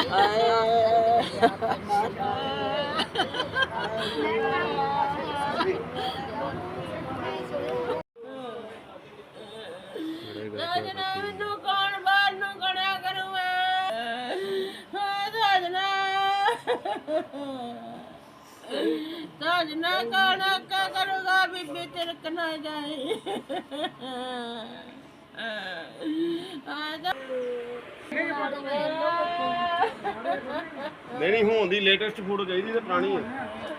कौन बाहर नू खड़ा करूं साजना साजना कौन क्या करूंगा बीबी तिरक ना जाए नहीं होने दी लेटेस्ट फोटो चाहिए ते पुरानी है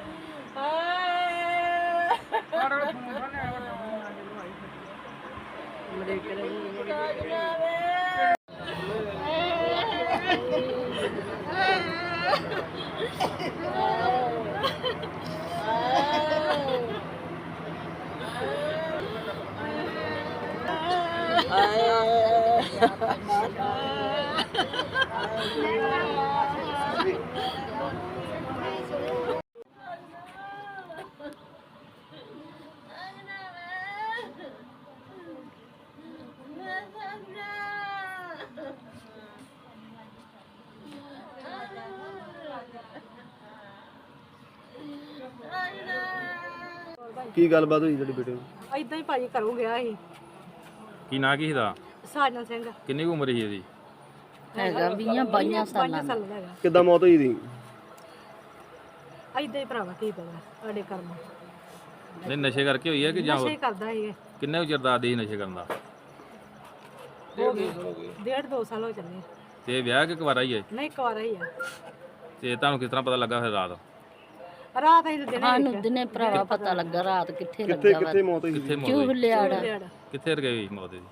की गलबात हुई तेरे बेटे इदां ही भाजी घरों गया ही ਕੀ ਨਾਂ ਕੀ ਇਹਦਾ साजन सिंह ਕਿੰਨੀ ਕੁ ਉਮਰ ਸੀ ਇਹਦੀ ਹੈਗਾ 20-22 ਸਾਲਾਂ ਦਾ। ਦਾ ਹੈਗਾ किद्दां मौत हुई थी ਇਦਾਂ ਹੀ ਭਰਾਵਾ ਕੀ ਪਤਾ ਸਾਡੇ ਕਰਮ ਨਹੀਂ ਨਸ਼ੇ ਕਰਕੇ ਹੋਈ ਹੈ ਕਿ ਜਾਂ ਨਸ਼ੇ ਕਰਦਾ ਸੀ ਕਿੰਨੇ ਕੁ ਚਿਰ ਦਾ ਆਦੀ ਸੀ ਨਸ਼ੇ ਕਰਨ ਦਾ ਹੋ ਗਏ 1.5-2 ਸਾਲ ਹੋ ਚੱਲੇ ਤੇ ਵਿਆਹ ਕਿ ਕੁਵਾਰਾ ਹੀ ਹੈ ਨਹੀਂ ਕੁਆਰਾ ਹੀ ਆ ਤੇ ਤੁਹਾਨੂੰ ਕਿਸ ਤਰ੍ਹਾਂ ਪਤਾ ਲੱਗਾ ਫਿਰ ਰਾਤ ਰਾਤ ਅਸੀਂ ਦਿਨੇ ਸਾਨੂੰ ਦਿਨੇ ਭਰਾਵਾ ਪਤਾ ਲੱਗਾ ਰਾਤ ਕਿੱਥੇ कित्थे ਲੱਗਾ कित्थे मौत हुई ਕਿੱਥੇ ਮੌਤ ਚੂਹ ਹੋਈ ਲਿਆੜਾ ਕਿੱਥੇ ਰਗਈ ਮੌਤ ਦੀ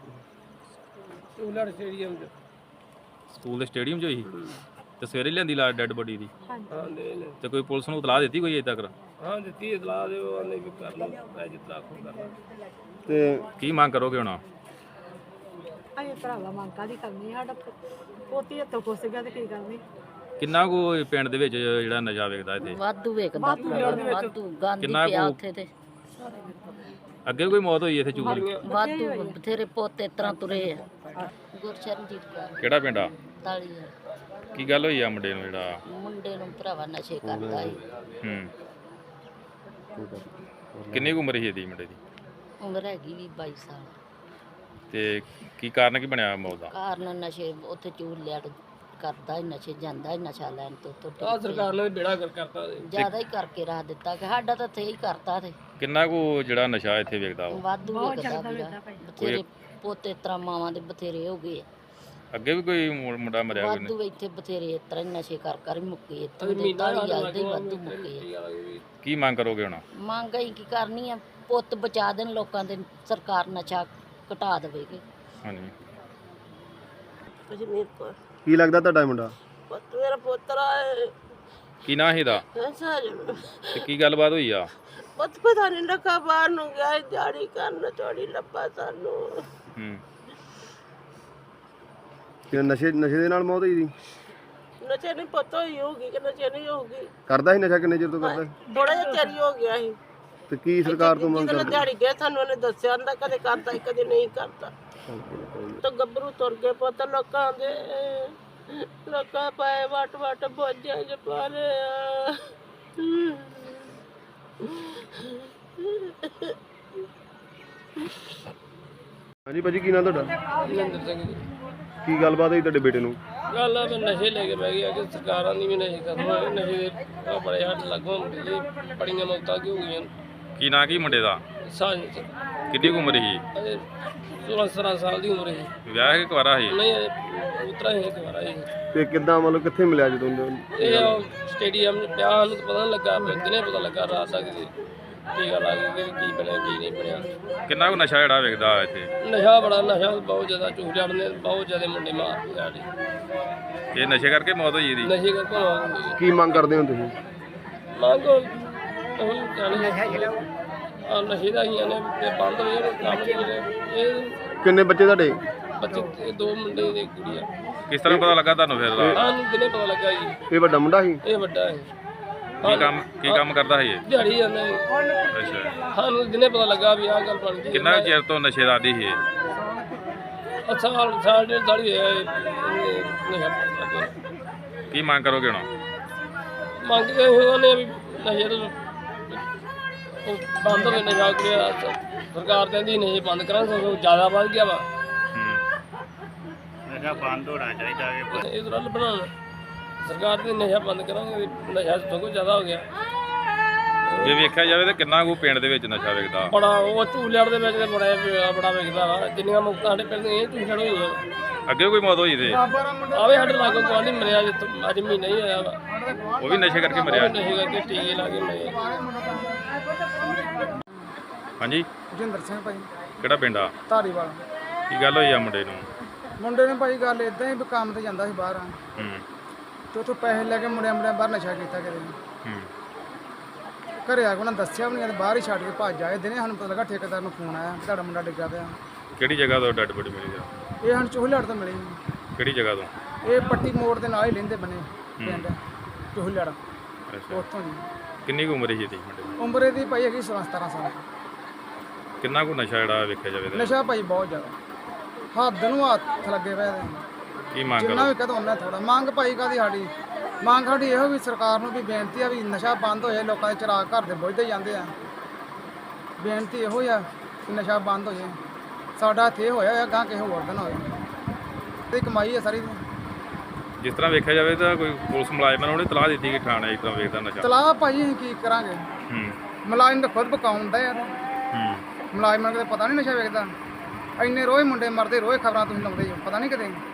ਸਕੂਲ ਦੇ ਸਟੇਡੀਅਮ 'ਚ ਹੋਈ ਤੇ ਸਵੇਰੇ ਲਿਆਂਦੀ ਲਾ ਡੈੱਡ ਬੋਡੀ ਦੀ ਤੇ ਕੋਈ ਪੁਲਿਸ ਨੂੰ ਇਤਲਾਹ ਦਿੱਤੀ ਕੋਈ ਅਜੇ ਤੱਕ ਹਾਂ ਦਿੱਤੀ ਇਤਲਾਹ ਦੇ ਉਹ ਆਨੇ ਵੀ ਕਰ ਲਓ ਮੈਂ ਜਿੱਦਾਂ ਆਖੋ ਕਰਨਾ ते ਕੀ ਮੰਗ ਕਰੋਗੇ ਹੁਣ ਅਸੀਂ ਭਰਾਵਾ ਮੰਗਾ ਦੀ ਕਰਨੀ ਸਾਡਾ ਪੋਤੀ ਹੱਥੋਂ ਖੁੱਸ ਗਿਆ ਤੇ ਕੀ ਕਰਨੀ ਕਿੰਨਾ ਕੁ ਪਿੰਡ ਦੇ ਵਿੱਚ ਜਿਹੜਾ ਨਸ਼ਾ ਵੇਚਦਾ ਇੱਥੇ ਵਾਧੂ ਵੇਖਦਾ ਵਾਧੂ ਗੰਦ ਕਿੰਨਾ ਪਿਆ ਕੁ- ਉੱਥੇ ਤੇ ਅੱਗੇ ਵੀ ਕੋਈ ਮੌਤ ਹੋਈ ਇੱਥੇ ਚੂਗਲੀ ਵਾਧੂ ਬਥੇਰੇ ਪੋਤੇ ਤਰ੍ਹਾਂ ਤੁਰੇ ਆ ਗੁਰਸ਼ਰਨਜੀਤ ਕੌਰ ਕਿਹੜਾ ਪਿੰਡ ਆ ਤਾਲੀ ਕੀ ਗੱਲ ਹੋਈ ਆ ਮੁੰਡੇ ਨੂੰ ਜਿਹੜਾ ਮੁੰਡੇ ਨੂੰ ਭਰਾਵਾ ਨਸ਼ੇ ਕਰਦਾ ਸੀ ਹੂੰ ਕਿੰਨੀ ਕੁ ਉਮਰ ਸੀ ਇਹਦੀ ਮੁੰਡੇ ਦੀ ਉਮਰ ਹੈਗੀ ਵੀ 22 ਸਾਲ ਤੇ ਕੀ ਕਾਰਨ ਕੀ ਬਣਿਆ ਮੌਤ ਦਾ ਕਾਰਨ ਨਸ਼ੇ ਉੱਥੇ ਚੂਹ ਲਿਆੜ ਕਰਦਾ ਹੀ ਨਸ਼ੇ ਜਾਂਦਾ ਹੀ ਨਸ਼ਾ ਲੈਣ ਤੋਂ ਆ ਸਰਕਾਰ ਨੇ ਬੇੜਾ ਕਰ ਕਰਤਾ ਜ਼ਿਆਦਾ ਹੀ ਕਰਕੇ ਰੱਖ ਦਿੱਤਾ ਕਿ ਸਾਡਾ ਤਾਂ ਇੱਥੇ ਹੀ ਕਰਤਾ ਤੇ ਕਿੰਨਾ ਕੁ ਜਿਹੜਾ ਨਸ਼ਾ ਇੱਥੇ ਵੇਚਦਾ ਉਹ ਵਾਧੂ ਵੇਖਦਾ ਵੀਰਾ ਬਥੇਰੇ ਪੋਤੇ ਤਰ੍ਹਾਂ ਮਾਵਾਂ ਦੇ ਬਥੇਰੇ ਹੋ ਗਏ ਆ। ਅੱਗੇ ਵੀ ਕੋਈ ਮੁੰਡਾ ਮਰਿਆ ਕੋਈ ਵਾਧੂ ਇੱਥੇ ਬਥੇਰੇ ਇਸ ਤਰ੍ਹਾਂ ਹੀ ਨਸ਼ੇ ਕਰ ਕਰ ਹੀ ਮੁੱਕੇ ਇੱਥੇ ਦੇ ਤਾਲੀ ਆਲਦੇ ਹੀ ਵਾਧੂ ਮੁੱਕੇ ਆ। ਕੀ ਮੰਗ ਕਰੋਗੇ ਹੁਣ ਮੰਗ ਅਸੀਂ ਕੀ ਕਰਨੀ ਆ ਪੁੱਤ ਬਚਾ ਦੇਣ ਲੋਕਾਂ ਦੇ ਸਰਕਾਰ ਨਸ਼ਾ ਘਟਾ ਦੇਵੇਗੀ ਹਾਂਜੀ कश्मीर को की लगदा ਤੁਹਾਡਾ ਮੁੰਡਾ पुत मेरा पोतरा है ਕੀ ਨਾਂ ਇਹਦਾ साजन ਤੇ ਕੀ ਗੱਲਬਾਤ ਹੋਈ ਆ पुत पता नहीं रखा बाहर नू गया दिहाड़ी करन चोरी लब्बा सानू ਹੂੰ कि नशे नशे दे नाल मौत हुई थी नशे नहीं पता ही होगी कि नशे नहीं होगी करदा ही नशा किन्ने चिर तो करदा थोड़ा जिहा तेरी हो गया ही ते की सरकार तो मंग जिहदे करदी दिहाड़ी गया सानू उन्हें दस्सिया आंदा कदे करदा ही कदे नहीं करदा तो गब्बरू तुर गए पुत लोकां दे लोकां पाए वट वट बोझां च पा रहे ਹਾਂਜੀ ਭਾਜੀ ਕੀ ਨਾਂ ਤੁਹਾਡਾ ਮਹਿੰਦਰ ਸਿੰਘ ਜੀ ਕੀ ਗੱਲਬਾਤ ਹੋਈ ਤੁਹਾਡੇ ਬੇਟੇ ਨੂੰ ਗੱਲ ਆ ਵੀ ਨਸ਼ੇ ਲੈ ਕੇ ਬਹਿ ਗਿਆ ਕਿ ਸਰਕਾਰਾਂ ਦੀ ਵੀ ਨਸ਼ੇ ਖਤਮ ਹੋਏ ਨਸ਼ੇ ਦੇ ਆਹ ਬੜੇ ਹੱਥ ਲੱਗੋਂ ਜੀ ਬੜੀਆਂ ਮੌਤਾਂ ਕੀ ਹੋ ਗਈਆਂ ਕੀ ਨਾਂ ਕੀ ਮੁੰਡੇ ਦਾ ਸਾਂਝ ਕਿੰਨੀ ਕੁ ਉਮਰ ਸੀ ਅਜੇ 16-17 ਸਾਲ ਦੀ ਉਮਰ ਹੈ ਵਿਆਹ ਕਿ ਕੁਵਾਰਾ ਸੀ ਨਹੀਂ ਉਤਰਾ ਹੀ ਦੁਬਾਰਾ ਹੀ ਤੇ ਕਿੱਦਾਂ ਮਤਲਬ ਕਿੱਥੇ ਮਿਲਿਆ ਜਦੋਂ ਇਹ ਸਟੇਡੀਅਮ ਚ ਪਿਆ ਸਾਨੂੰ ਤਾਂ ਪਤਾ ਨਹੀਂ ਲੱਗਾ ਦਿਨੇ ਪਤਾ ਲੱਗਾ ਰਾਤ ਤੱਕ ਜੀ ਟੀਕਾ ਲਾ ਕੇ ਕੀ ਬਣਿਆ ਕੀ ਨਹੀਂ ਬਣਿਆ ਕਿੰਨਾ ਕੁ ਨਸ਼ਾ ਜਿਹੜਾ ਵੇਚਦਾ ਇੱਥੇ ਨਸ਼ਾ ਬੜਾ ਨਸ਼ਾ ਬਹੁਤ ਜ਼ਿਆਦਾ ਚੂਹ ਚੜਨੇ ਬਹੁਤ ਜ਼ਿਆਦਾ ਮੁੰਡੇ ਮਾਰਦੇ ਆ ਜੀ ਇਹ ਨਸ਼ੇ ਕਰਕੇ ਮੌਤ ਹੋਈ ਇਹਦੀ ਨਸ਼ੇ ਕਰਕੇ ਮੌਤ ਹੋਈ ਹੈ। ਕੀ ਮੰਗ ਕਰਦੇ ਹੋ ਤੁਸੀਂ ਮੰਗੋ ਅਸੀਂ ਚਾਹੁੰਦੇ ਆ ਨਸ਼ੇ ਦਾ ਹੀ ਨੇ ਤੇ ਬੰਦ ਹੋਏ ਨੇ ਕੰਮ ਜਿਹੜੇ ਇਹ ਕਿੰਨੇ ਬੱਚੇ ਤੁਹਾਡੇ ਬੱਚੇ ਇਹ ਦੋ ਮੁੰਡੇ ਤੇ ਇੱਕ ਕੁੜੀ ਆ ਕਿਸ ਤਰ੍ਹਾਂ ਪਤਾ ਲੱਗਾ ਤੁਹਾਨੂੰ ਫਿਰ ਰਾਤ ਸਾਨੂੰ ਦਿਨੇ ਪਤਾ ਲੱਗਾ ਜੀ ਇਹ ਵੱਡਾ ਮੁੰਡਾ ਸੀ ਇਹ ਵੱਡਾ ਹੈ ਕੀ ਕੰਮ ਕਰਦਾ ਸੀ ਇਹ ਦਿਹਾੜੀ ਜਾਂਦਾ ਜੀ ਅੱਛਾ ਸਾਨੂੰ ਦਿਨੇ ਪਤਾ ਲੱਗਾ ਵੀ ਆਹ ਗੱਲ ਬਣ ਗਈ ਕਿੰਨਾ ਕੁ ਚਿਰ ਤੋਂ ਨਸ਼ੇ ਦਾ ਆਦੀ ਸੀ ਇਹ ਸਾਲ ਡੇਢ ਸਾਲ ਹੀ ਹੋਇਆ ਇਹ ਨਸ਼ਾ ਕਰਦੇ ਕੀ ਮੰਗ ਕਰੋਗੇ ਹੁਣ? ਮੰਗ ਕੇ ਉਹਨਾਂ ਨੇ ਵੀ ਨਸ਼ੇ ਤੋਂ ਉਹ ਬੰਦ ਹੋਵੇ ਨਸ਼ਾ ਕਰਿਆ ਸਰਕਾਰ ਕਹਿੰਦੀ ਨਸ਼ੇ ਬੰਦ ਕਰਾਂ ਸਗੋਂ ਜ਼ਿਆਦਾ ਵੱਧ ਗਿਆ ਵਾ ਨਸ਼ਾ ਬੰਦ ਹੋਣਾ ਚਾਹੀਦਾ ਹੈ। ਇਹ ਤਰ੍ਹਾਂ ਬਣਾਉਣ ਸਰਕਾਰ ਦੀ ਨਸ਼ਾ ਬੰਦ ਕਰਾਂਗੇ ਨਸ਼ਾ ਸਗੋਂ ਜ਼ਿਆਦਾ ਹੋ ਗਿਆ ਜੇ ਵੇਖਿਆ ਜਾਵੇ ਤਾਂ ਕਿੰਨਾ ਕੁ ਪਿੰਡ ਦੇ ਵਿੱਚ ਨਸ਼ਾ ਵਿਕਦਾ? ਬੜਾ ਉਹ ਝੂਲੜ ਦੇ ਵਿੱਚ ਤੇ ਬੜਾ ਵਿਕਦਾ ਵਾ ਜਿੰਨੀਆਂ ਮੁਕਤਾਂ ਸਾਡੇ ਪਿੰਡ ਦੀਆਂ ਇਹ ਝੂਲੜ ਹੋਈਆਂ ਅੱਗੇ ਕੋਈ ਮੌਤ ਹੋਈ ਤੇ ਆਵੇ ਸਾਡੇ ਲਾਗੋਂ ਕੋਈ ਨਹੀਂ ਮਰਿਆ ਅੱਜ ਮਹੀਨਾ ਹੀ ਹੋਇਆ ਵਾ ਉਹ ਵੀ ਨਸ਼ੇ ਕਰਕੇ ਮਰਿਆ? ਨਸ਼ੇ ਕਰਕੇ ਟੀਕੇ ਲਾ ਕੇ ਮਰੇ ਹਾਂਜੀ, ਜਿੰਦਰ ਸਿੰਘ ਭਾਈ ਕਿਹੜਾ ਪਿੰਡ ਆ? ਧਾਰੀਵਾਲ। ਕੀ ਗੱਲ ਹੋਈ ਆ ਮੁੰਡੇ ਨੂੰ? ਮੁੰਡੇ ਨੇ ਭਾਈ ਗੱਲ ਇਦਾਂ ਹੀ ਵੀ ਕੰਮ ਤੇ ਜਾਂਦਾ ਸੀ ਬਾਹਰ ਹੂੰ ਤੇ ਉੱਥੋਂ ਪੈਸੇ ਲੈ ਕੇ ਮੁੰਡਿਆਂ ਬਾਹਰ ਨਸ਼ਾ ਕੀਤਾ ਕਿਤੇ ਹੂੰ ਘਰੇ ਆ ਕੇ ਉਹਨਾਂ ਦੱਸਿਆ ਵੀ ਨਹੀਂ ਤੇ ਬਾਹਰ ਹੀ ਛੱਡ ਕੇ ਭੱਜ ਆਏ ਦਿਨੇ ਸਾਨੂੰ ਪਤਾ ਲੱਗਾ ਠੇਕੇਦਾਰ ਨੂੰ ਫੋਨ ਆਇਆ ਕਿ ਤੁਹਾਡਾ ਮੁੰਡਾ ਡਿੱਗਾ ਪਿਆ। ਕਿਹੜੀ ਜਗ੍ਹਾ ਤੋਂ ਡੈਡ ਬੋਡੀ ਮਿਲੀ ਆ? ਇਹ ਸਾਨੂੰ ਚੋਹਲੜ ਤੋਂ ਮਿਲੀ। ਕਿਹੜੀ ਜਗ੍ਹਾ ਤੋਂ? ਇਹ ਪੱਟੀ ਮੋੜ ਦੇ ਨਾਲ ਹੀ ਲੈਂਦੇ ਬਣੇ ਪਿੰਡ ਚੋਹਲੜ ਅੱਛਾ, ਉੱਥੋਂ ਜੀ। ਕਿੰਨੀ ਕੁ ਉਮਰ ਸੀ ਇਹਦੀ ਮੁੰਡੇ ਦੀ? ਉਮਰ ਇਹਦੀ ਭਾਈ ਹੈਗੀ 16-17 ਸਾਲ। ਕਿੰਨਾ ਕੁ ਨਸ਼ਾ ਜਿਹੜਾ ਵੇਖਿਆ ਜਾਵੇ ਤਾਂ? ਨਸ਼ਾ ਭਾਈ ਬਹੁਤ ਜ਼ਿਆਦਾ ਹੱਦ ਨੂੰ ਹੱਥ ਲੱਗੇ ਪਏ ਇਹਦੇ। ਕੀ ਮੰਗ ਜਿੰਨਾ ਕਰੋ? ਵੀ ਕਹਦਾ ਉਹਨਾਂ ਥੋੜਾ ਮੰਗ ਭਾਈ ਕਾਦੀ ਸਾਡੀ ਮੰਗ ਸਾਡੀ ਇਹੋ ਵੀ ਸਰਕਾਰ ਨੂੰ ਵੀ ਬੇਨਤੀ ਆ ਵੀ ਨਸ਼ਾ ਬੰਦ ਹੋ ਜਾਏ ਲੋਕਾਂ ਦੇ ਚਿਰਾਗ ਘਰ ਦੇ ਬੁੱਝਦੇ ਜਾਂਦੇ ਆ ਬੇਨਤੀ ਇਹੋ ਆ ਕਿ ਨਸ਼ਾ ਬੰਦ ਹੋ ਜਾਏ ਸਾਡਾ ਇੱਥੇ ਹੋਇਆ ਗਾਂ ਕਿਸੇ ਹੋਰ ਦਿਨ ਹੋਏ ਤੇ ਕਮਾਈ ਆ ਸਾਰੀ ਜਿਸ ਤਰ੍ਹਾਂ ਵੇਖਿਆ ਜਾਵੇ ਤਾਂ ਕੋਈ ਪੁਲਿਸ ਮੁਲਾਜ਼ਮਾਂ ਨੂੰ ਉਹਨੇ ਤਲਾਹ ਦਿੱਤੀ ਕਿ ਥਾਣੇ ਇਸ ਤਰ੍ਹਾਂ ਵੇਖਦਾ ਨਸ਼ਾ? ਤਲਾਹ ਭਾਈ ਅਸੀਂ ਕੀ ਕਰਾਂਗੇ ਹੂੰ ਮੁਲਾਜ਼ਮ ਤਾਂ ਖੁਦ ਪਕਾਉਂਦਾ ਯਾਰ ਹੂੰ ਮੁਲਾਜ਼ਮਾਂ ਨੂੰ ਪਤਾ ਨਹੀਂ ਨਸ਼ਾ ਵੇਚਦਾ ਇੰਨੇ ਰੋਜ਼ ਮੁੰਡੇ ਮਰਦੇ ਰੋਜ਼ ਖਬਰਾਂ ਤੁਸੀਂ ਲਾਉਂਦੇ ਹੋ ਪਤਾ ਨਹੀਂ ਕਿਤੇ